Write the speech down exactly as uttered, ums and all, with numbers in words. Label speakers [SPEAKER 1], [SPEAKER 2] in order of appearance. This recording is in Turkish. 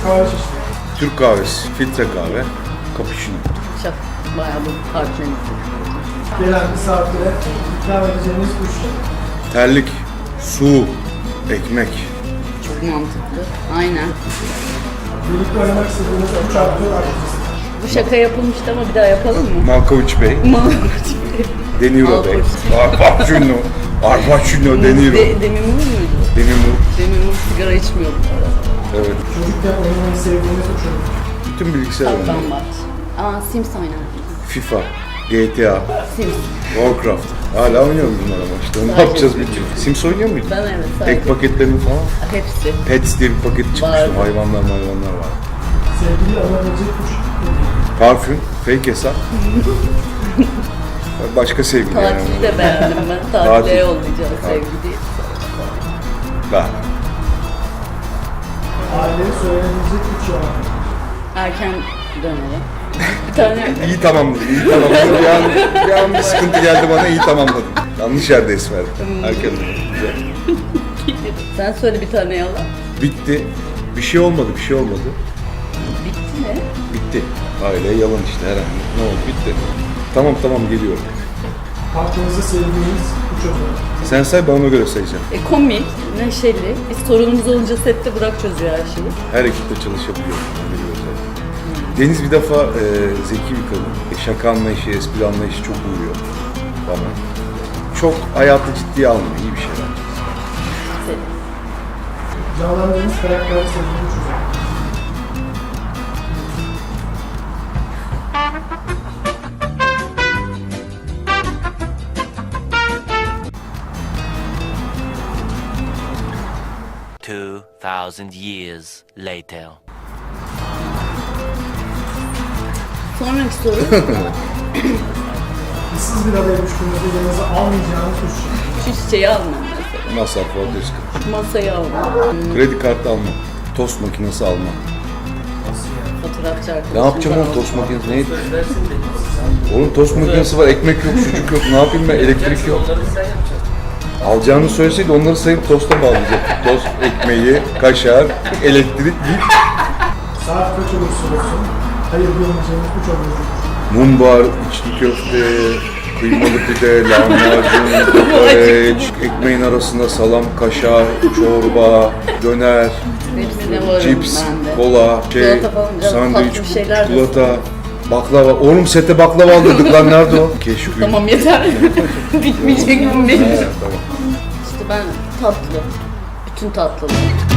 [SPEAKER 1] kahve çeşitleri.
[SPEAKER 2] Türk kahvesi, filtre kahve, cappuccino.
[SPEAKER 3] Çok bayağı bu partnerisi.
[SPEAKER 1] Gelen misafire ikram edeceğiniz üç şey.
[SPEAKER 2] Terlik, su, ekmek.
[SPEAKER 3] Çok mantıklı. Aynen.
[SPEAKER 1] Birlikte oynamak istediğiniz üç artı aktivitesi.
[SPEAKER 3] Bu şaka yapılmıştı ama bir daha yapalım mı?
[SPEAKER 2] Malkovic Bey, De Niro Bey,
[SPEAKER 3] Malkovic.
[SPEAKER 2] Arpacino, Arpacino, De Niro,
[SPEAKER 3] De, Demi Moore muydu?
[SPEAKER 2] Demi Moore.
[SPEAKER 3] Demi Moore sigara içmiyordu.
[SPEAKER 2] Evet.
[SPEAKER 1] Çocukken oynamayı sevdiğiniz üç oyun.
[SPEAKER 2] Bütün bilgisayar oyunları.
[SPEAKER 3] Saklambaç. Aa Sims oynardım.
[SPEAKER 2] FIFA, G T A,
[SPEAKER 3] Sims.
[SPEAKER 2] Warcraft. Hala oynuyoruz bunlar ama işte. Ne
[SPEAKER 3] Sadece
[SPEAKER 2] yapacağız
[SPEAKER 3] bir-
[SPEAKER 2] bütün? Sims oynuyor muydun?
[SPEAKER 3] Ben evet sadece.
[SPEAKER 2] Ek paketlerini falan.
[SPEAKER 3] Hepsi.
[SPEAKER 2] Pets diye bir paket çıkmıştı.
[SPEAKER 3] Vardı.
[SPEAKER 2] Hayvanlar hayvanlar var.
[SPEAKER 1] Sevgili alabilecek üç hediye.
[SPEAKER 2] Parfüm, fake hesap. Başka sevgili yani.
[SPEAKER 3] Tatili de beğendim ben.
[SPEAKER 2] Tatil.
[SPEAKER 3] Tatile yollayacağız sevgili.
[SPEAKER 2] Ben.
[SPEAKER 1] Aileye söylenebilecek üç yalan.
[SPEAKER 3] Erken dönelim. Bir tane
[SPEAKER 2] İyi tamamladım, iyi tamamladım. Bir an, bir an bir sıkıntı geldi bana, iyi tamamladım. Yanlış yerde es verdim. Erken güzel.
[SPEAKER 3] sen söyle bir tane yalan.
[SPEAKER 2] Bitti. Bir şey olmadı, bir şey olmadı.
[SPEAKER 3] Bitti mi?
[SPEAKER 2] Bitti. Aile yalan işte herhangi. Ne oldu? Bitti. Tamam tamam geliyorum.
[SPEAKER 1] Hakkınızda sevdiğiniz üç özellik.
[SPEAKER 2] Sen say, ben ona göre sayacağım.
[SPEAKER 3] E, komik, neşeli. Biz sorunumuz olunca sette Burak çözüyor her şeyi.
[SPEAKER 2] Her ekipte çalışabiliyor. Öyle bir özellik. Deniz bir defa e, zeki bir kadın. E, şaka anlayışı, espri anlayışı çok uyuyor bana. Çok hayatı ciddiye almıyor. İyi bir şey bence.
[SPEAKER 3] Senin.
[SPEAKER 1] Canlandığınız karakteri sevdiğiniz üç özellik.
[SPEAKER 4] Two thousand years later.
[SPEAKER 3] Sonraki soru.
[SPEAKER 1] İşsiz bir adaya düştüğünüzde yanınıza almayacağınız üç şey.
[SPEAKER 3] Şu çiçeği almam mesela.
[SPEAKER 2] Masraf var, risk.
[SPEAKER 3] Şu masayı almam.
[SPEAKER 2] Kredi kartı almam. Tost makinesi almam.
[SPEAKER 3] Fotoğrafçı arkadaşım.
[SPEAKER 2] Ne yapacağım oğlum tost makinesi? Ne? Oğlum tost makinesi var, ekmek yok, sucuk yok. Ne yapayım ben? Elektrik yok. Alacağını söyleseydi onları sayıp tosta bağlayacak. Tost, ekmeği, kaşar, elektrik, git.
[SPEAKER 1] Saat kaç olursa olsun hayır diyemeyeceğiniz üç oyun.
[SPEAKER 2] Mumbar, içli köfte, kıymalı pide, lahmacun, kokoreç, ekmeğin arasında salam, kaşar, çorba, döner,
[SPEAKER 3] Hepsine varım
[SPEAKER 2] cips,
[SPEAKER 3] ben de.
[SPEAKER 2] kola, şey,
[SPEAKER 3] Çikolata falan, biraz
[SPEAKER 2] sandviç,
[SPEAKER 3] tatlı bir şeyler de
[SPEAKER 2] çikolata, baklava. Oğlum sete baklava aldırdık lan, nerede o? Keşkül.
[SPEAKER 3] Tamam yeter. Bitmeyecek mi benim?
[SPEAKER 2] He, tamam.
[SPEAKER 3] İşte ben tatlı. Bütün tatlılar.